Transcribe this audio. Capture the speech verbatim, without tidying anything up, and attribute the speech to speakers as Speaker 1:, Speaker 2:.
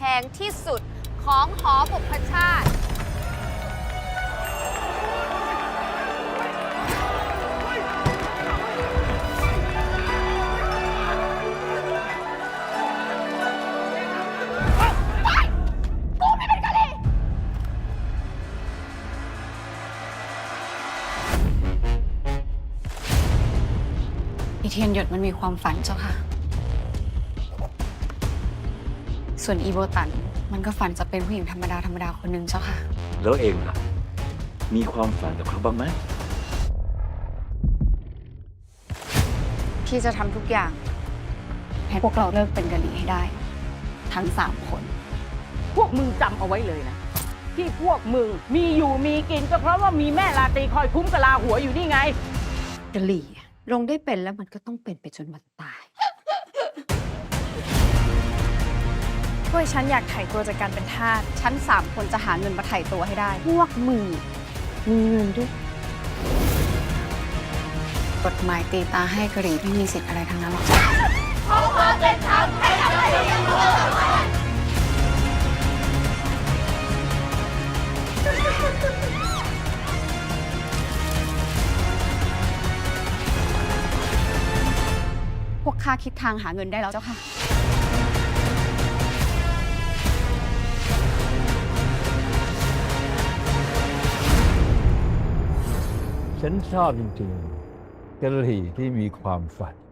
Speaker 1: งที่สุดของหอบุพชาติ
Speaker 2: อีเทียนหยดมันมีความฝันเจ้าค่ะ ส่วนอีโบตันมันก็ฝันจะเป็นผู้หญิงธรรมดาธรรมดาคนหนึ่งเจ้าค่ะ
Speaker 3: แล้วเองล่ะ มีความฝันกับเขาบ้างไหม
Speaker 2: พี่จะทำทุกอย่าง ให้พวกเราเลิกเป็นกะหรี่ให้ได้ ทั้งสามคน
Speaker 4: พวกมึงจำเอาไว้เลยนะ ที่พวกมึงมีอยู่มีกินก็เพราะว่ามีแม่ลาตรีคอยคุ้มกะลาหัวอยู่นี่ไง
Speaker 2: กะหรี่ลงได้เป็นแล้วมันก็ต้องเป็นไปจนวันตาย
Speaker 5: พวกฉันอยากไถ่ตัวจากการเป็นทาส
Speaker 2: ฉันสามคนจะหาเงินมาไถ่ตัวให้ได้ พวกมึงมีเงินด้วย กฎหมายตีตาให้กะหรี่ไม่มีสิทธิ์อะไรทั้งนั้นหรอกจ้ะพวกข้าคิดทางหาเงินได้แล้วเจ้าค่ะ
Speaker 6: ฉันชอบจริงๆกะหรี่ที่มีความฝัน